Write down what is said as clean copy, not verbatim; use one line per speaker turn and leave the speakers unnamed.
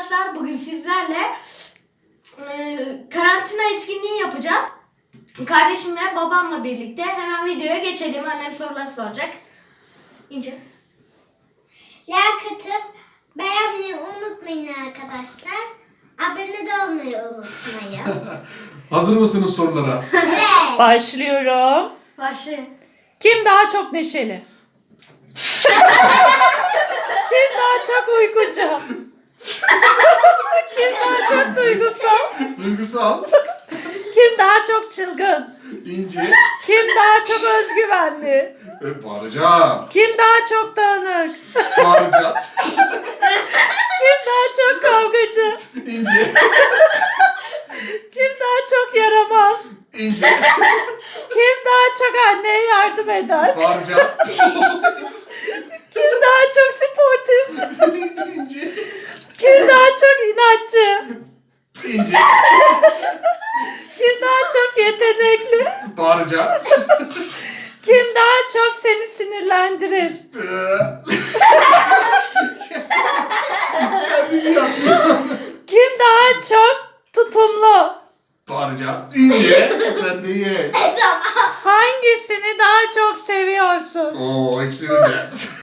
arkadaşlar, bugün sizlerle karantina etkinliği yapacağız. Kardeşim ve babamla birlikte. Hemen videoya geçelim. Annem sorular soracak. İnce.
Like atıp beğenmeyi unutmayın arkadaşlar. Abone de olmayı unutmayın.
Hazır mısınız sorulara?
Evet.
Başlıyorum.
Başlayın.
Kim daha çok neşeli? Kim daha çok uykucu? Kim daha çok duygusal?
Duygusal,
Kim daha çok çılgın?
ince,
Kim daha çok özgüvenli?
bağıracağım,
Kim daha çok dağınık?
bağıracağım,
Kim daha çok kavgacı?
ince,
Kim daha çok yaramaz?
ince,
Kim daha çok anneye yardım eder?
bağıracağım,
Kim daha çok sportif?
ince,
Kim daha çok inatçı?
ince,
Kim daha çok yetenekli?
bağıracağım,
Kim daha çok seni sinirlendirir?
kendimi yapıyorum,
Kim daha çok tutumlu?
bağıracağım, ince, sen de ye.
Hangisini daha çok seviyorsun?
Oo, ikisini de.